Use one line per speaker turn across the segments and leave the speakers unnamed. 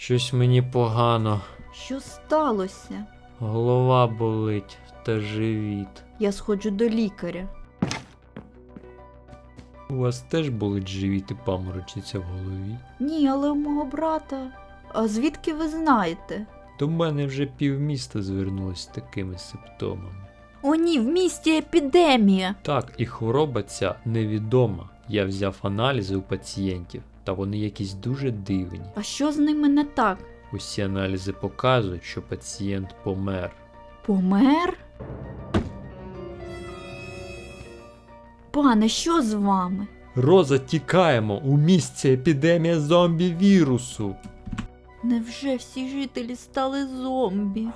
Щось мені погано.
Що сталося?
Голова болить та живіт.
Я сходжу до лікаря.
У вас теж болить живіт і паморочиться в голові?
Ні, але у мого брата. А звідки ви знаєте?
До мене вже півміста звернулось з такими симптомами.
О ні, в місті епідемія.
Так, і хвороба ця невідома. Я взяв аналізи у пацієнтів, та вони якісь дуже дивні.
А що з ними не так?
Усі аналізи показують, що пацієнт помер.
Помер? Пане, що з вами?
Роза, тікаємо! У місті епідемія зомбі-вірусу!
Невже всі жителі стали зомбі?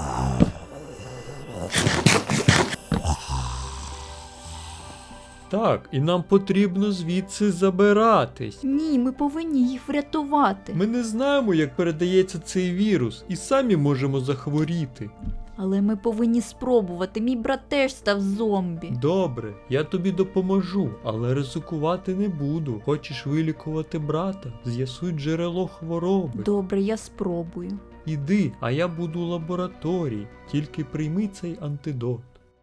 Так, і нам потрібно звідси забиратись.
Ні, ми повинні їх врятувати.
Ми не знаємо, як передається цей вірус, і самі можемо захворіти.
Але ми повинні спробувати. Мій брат теж став зомбі.
Добре, я тобі допоможу, але ризикувати не буду. Хочеш вилікувати брата? З'ясуй джерело хвороби.
Добре, я спробую.
Іди, а я буду у лабораторії. Тільки прийми цей антидот.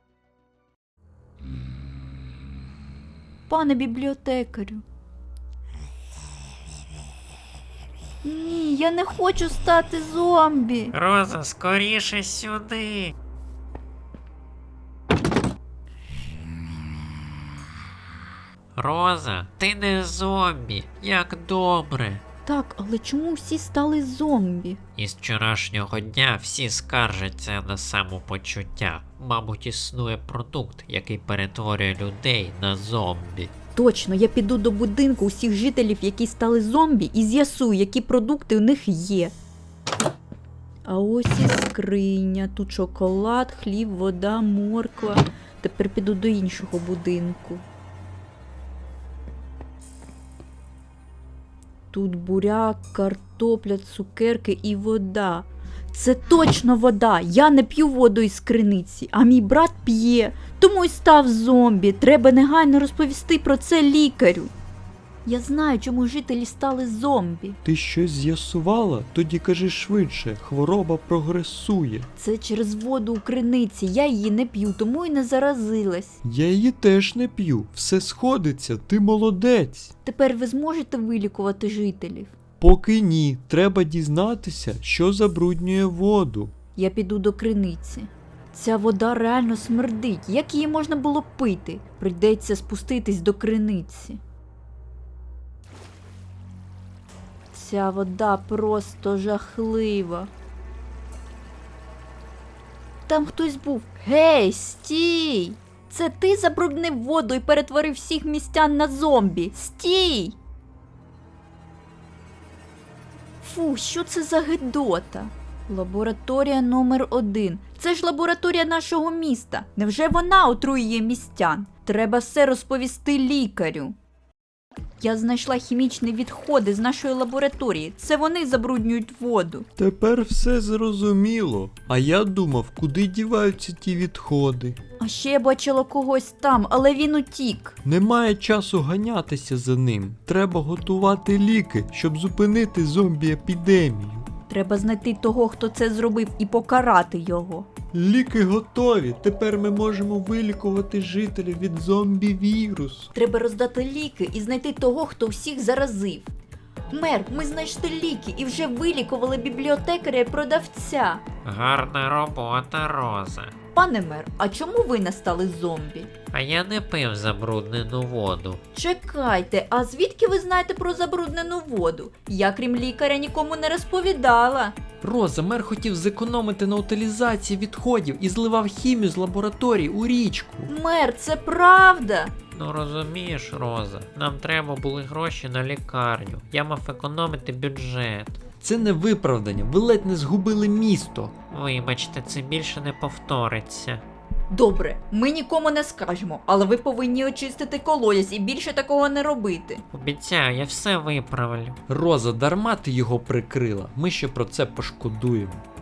Пане бібліотекарю. Ні, я не хочу стати зомбі.
Роза, скоріше сюди. Роза, ти не зомбі. Як добре.
Так, але чому всі стали зомбі?
Із вчорашнього дня всі скаржаться на самопочуття. Мабуть, існує продукт, який перетворює людей на зомбі.
Точно, я піду до будинку усіх жителів, які стали зомбі, і з'ясую, які продукти у них є. А ось і скриня. Тут шоколад, хліб, вода, морква. Тепер піду до іншого будинку. Тут буряк, картопля, цукерки і вода. Це точно вода. Я не п'ю воду із криниці, а мій брат п'є. Тому й став зомбі. Треба негайно розповісти про це лікарю. Я знаю, чому жителі стали зомбі.
Ти щось з'ясувала? Тоді кажи швидше, хвороба прогресує.
Це через воду у криниці. Я її не п'ю, тому й не заразилась.
Я її теж не п'ю. Все сходиться, ти молодець.
Тепер ви зможете вилікувати жителів?
Поки ні, треба дізнатися, що забруднює воду.
Я піду до криниці. Ця вода реально смердить. Як її можна було пити? Прийдеться спуститись до криниці. Ця вода просто жахлива. Там хтось був. Гей, стій! Це ти забруднив воду і перетворив всіх містян на зомбі. Стій! Фу, що це за гидота? Лабораторія номер 1. Це ж лабораторія нашого міста. Невже вона отруює містян? Треба все розповісти лікарю. Я знайшла хімічні відходи з нашої лабораторії. Це вони забруднюють воду.
Тепер все зрозуміло. А я думав, куди діваються ті відходи.
А ще я бачила когось там, але він утік.
Немає часу ганятися за ним. Треба готувати ліки, щоб зупинити зомбі-епідемію.
Треба знайти того, хто це зробив, і покарати його.
Ліки готові. Тепер ми можемо вилікувати жителів від зомбі-вірусу.
Треба роздати ліки і знайти того, хто всіх заразив. Мер, ми знайшли ліки і вже вилікували бібліотекаря і продавця.
Гарна робота, Роза.
Пане мер, а чому ви не стали зомбі?
А я не пив забруднену воду.
Чекайте, а звідки ви знаєте про забруднену воду? Я, крім лікаря, нікому не розповідала.
Роза, мер хотів зекономити на утилізації відходів і зливав хімію з лабораторії у річку.
Мер, це правда.
Ну розумієш, Роза, нам треба були гроші на лікарню. Я мав економити бюджет.
Це не виправдання, ви ледь не згубили місто.
Вибачте, це більше не повториться.
Добре, ми нікому не скажемо, але ви повинні очистити колодязь і більше такого не робити.
Обіцяю, я все виправлю.
Роза, дарма ти його прикрила, ми ще про це пошкодуємо.